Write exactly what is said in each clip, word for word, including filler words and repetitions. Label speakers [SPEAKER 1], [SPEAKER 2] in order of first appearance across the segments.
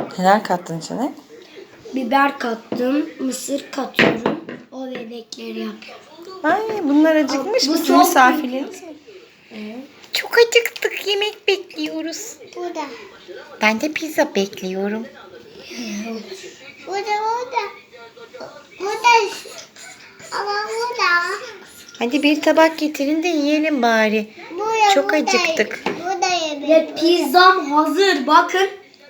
[SPEAKER 1] Neler kattın içine?
[SPEAKER 2] Biber kattım, mısır katıyorum. O bebekleri yapıyorum.
[SPEAKER 1] Ay bunlar acıkmış.
[SPEAKER 2] Bu
[SPEAKER 1] Bizim
[SPEAKER 2] çok
[SPEAKER 1] misafirlerimiz mi?
[SPEAKER 2] Evet.
[SPEAKER 1] Çok acıktık. Yemek bekliyoruz.
[SPEAKER 2] Burada.
[SPEAKER 1] Ben de pizza bekliyorum.
[SPEAKER 2] Burada, burada. Burada. Ama burada.
[SPEAKER 1] Hadi bir tabak getirin de yiyelim bari.
[SPEAKER 2] Burada,
[SPEAKER 1] Çok
[SPEAKER 2] burada.
[SPEAKER 1] acıktık.
[SPEAKER 2] Burada yemek. Ve pizzam hazır. Bakın.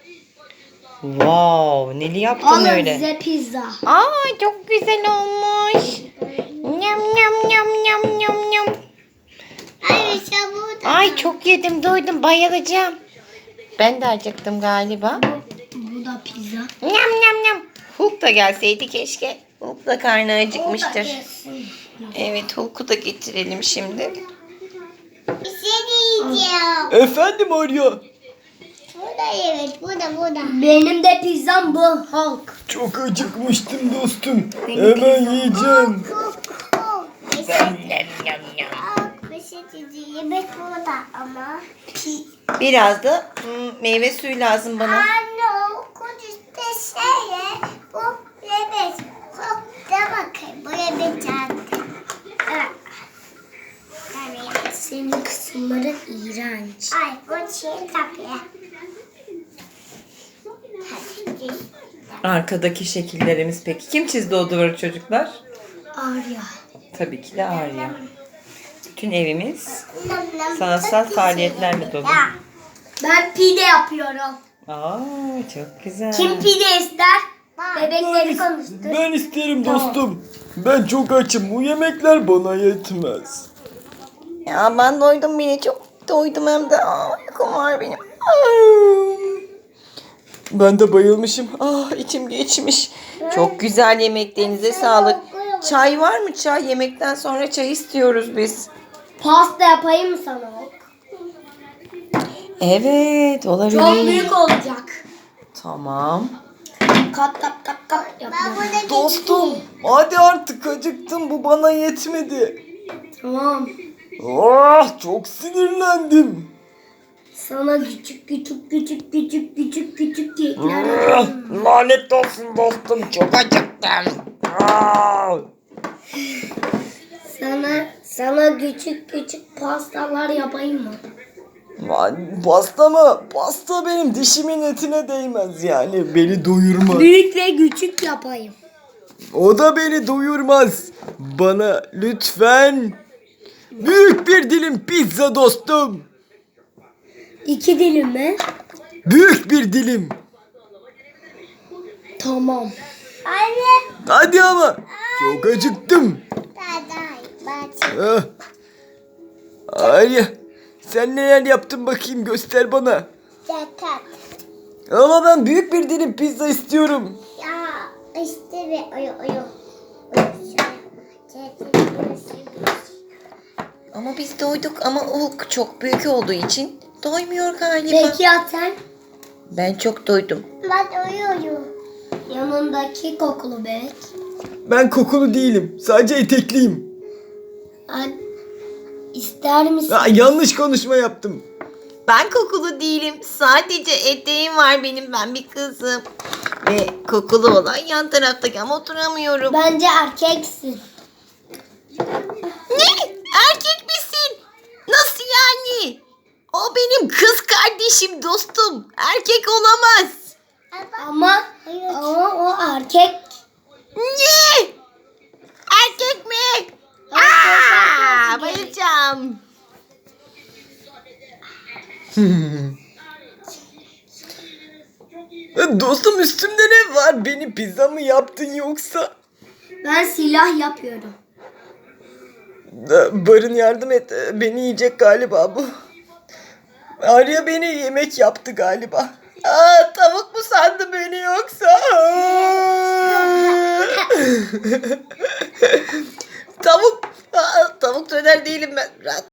[SPEAKER 1] Wow, neli yaptın
[SPEAKER 2] Alın
[SPEAKER 1] öyle?
[SPEAKER 2] size pizza.
[SPEAKER 1] Aa çok güzel olmuş. Nyam nyam nyam nyam nyam nyam.
[SPEAKER 2] Ay işte burada.
[SPEAKER 1] Ay çok yedim doydum bayılacağım. Ben de acıktım galiba.
[SPEAKER 2] Bu da pizza.
[SPEAKER 1] Nyam nyam nyam. Hulk da gelseydi keşke. Hulk da karnı acıkmıştır. Evet Hulk'u da getirelim şimdi.
[SPEAKER 2] Bir şey diyeceğim.
[SPEAKER 3] Efendim Arya.
[SPEAKER 2] Burada evet, burada burada. Benim de pizzam bu Hulk.
[SPEAKER 3] Çok acıkmıştım dostum. Hemen yiyeceğim.
[SPEAKER 1] Nyam nyam nyam.
[SPEAKER 2] Bir şey diyeceğim. Yemek burada ama.
[SPEAKER 1] Biraz da hmm, meyve suyu lazım bana.
[SPEAKER 2] Anne o kudüs'te şeye bu yemek. Hop de bakayım bu yemek geldi. Evet. Senin kısımları iğrenç. Ay bu şey kapıya.
[SPEAKER 1] Arkadaki şekillerimiz peki. Kim çizdi o duvarı çocuklar?
[SPEAKER 2] Arya.
[SPEAKER 1] Tabii ki de Arya. Bütün evimiz sanatsal faaliyetlerle dolu.
[SPEAKER 2] Ben pide yapıyorum.
[SPEAKER 1] Aa çok güzel.
[SPEAKER 2] Kim pide ister? Bebekleri
[SPEAKER 3] Ben,
[SPEAKER 2] konuştur.
[SPEAKER 3] ben isterim dostum. Ben çok açım. Bu yemekler bana yetmez.
[SPEAKER 1] Ya ben doydum bile çok doydum hem de. Aa, uykum var benim. Aa. Ben de bayılmışım. Ah içim geçmiş. Çok güzel yemeklerinize sağlık. Çay var mı çay? Yemekten sonra çay istiyoruz biz.
[SPEAKER 2] Pasta yapayım mı sana?
[SPEAKER 1] Evet olabilir.
[SPEAKER 2] Çok büyük olacak.
[SPEAKER 1] Tamam.
[SPEAKER 2] Kat kat kat kat yapacağım.
[SPEAKER 3] Dostum hadi artık acıktım. Bu bana yetmedi.
[SPEAKER 2] Tamam.
[SPEAKER 3] Ah çok sinirlendim.
[SPEAKER 2] Sana küçük küçük küçük küçük küçük küçük kekler
[SPEAKER 3] Ah,
[SPEAKER 2] yapacağım.
[SPEAKER 3] lanet olsun dostum. Çok acıktım. Ah.
[SPEAKER 2] Sana sana küçük küçük pastalar yapayım mı?
[SPEAKER 3] Lan pasta mı? Pasta benim dişimin etine değmez yani. Beni doyurmaz.
[SPEAKER 2] Büyük ve küçük yapayım.
[SPEAKER 3] O da beni doyurmaz. Bana lütfen büyük bir dilim pizza dostum.
[SPEAKER 2] İki dilim mi?
[SPEAKER 3] Büyük bir dilim.
[SPEAKER 2] Tamam. Anne.
[SPEAKER 3] Hadi ama. Çok acıktım. Ah. Arya, sen neler yaptın bakayım göster bana.
[SPEAKER 2] Zaten.
[SPEAKER 3] Ama ben büyük bir dilim pizza istiyorum.
[SPEAKER 2] Ya işte bir oyu oyu.
[SPEAKER 1] Ama biz doyduk ama Hulk çok büyük olduğu için doymuyor galiba.
[SPEAKER 2] Peki ya sen?
[SPEAKER 1] Ben çok doydum.
[SPEAKER 2] Ben uyuyorum. Yanındaki kokulu bebek.
[SPEAKER 3] Ben kokulu değilim. Sadece etekliyim.
[SPEAKER 2] An İster misin?
[SPEAKER 3] Ha, yanlış konuşma yaptım.
[SPEAKER 1] Ben kokulu değilim. Sadece eteğim var benim. Ben bir kızım. Ve kokulu olan yan taraftaki ama oturamıyorum.
[SPEAKER 2] Bence erkeksin.
[SPEAKER 1] Ne? Erkek misin? Nasıl yani? O benim kız kardeşim dostum. Erkek olamaz.
[SPEAKER 2] Ama ama o erkek.
[SPEAKER 1] Ne? Erkek mi? Aa, bayılacağım.
[SPEAKER 3] Dostum üstümde ne var? Beni pizza mı yaptın yoksa?
[SPEAKER 2] Ben silah yapıyorum.
[SPEAKER 3] Barın yardım et. Beni yiyecek galiba bu. Arya beni yemek yaptı galiba. Aa, tavuk mu sandı beni yoksa? Tavuk. Aa, tavuk döner değilim ben.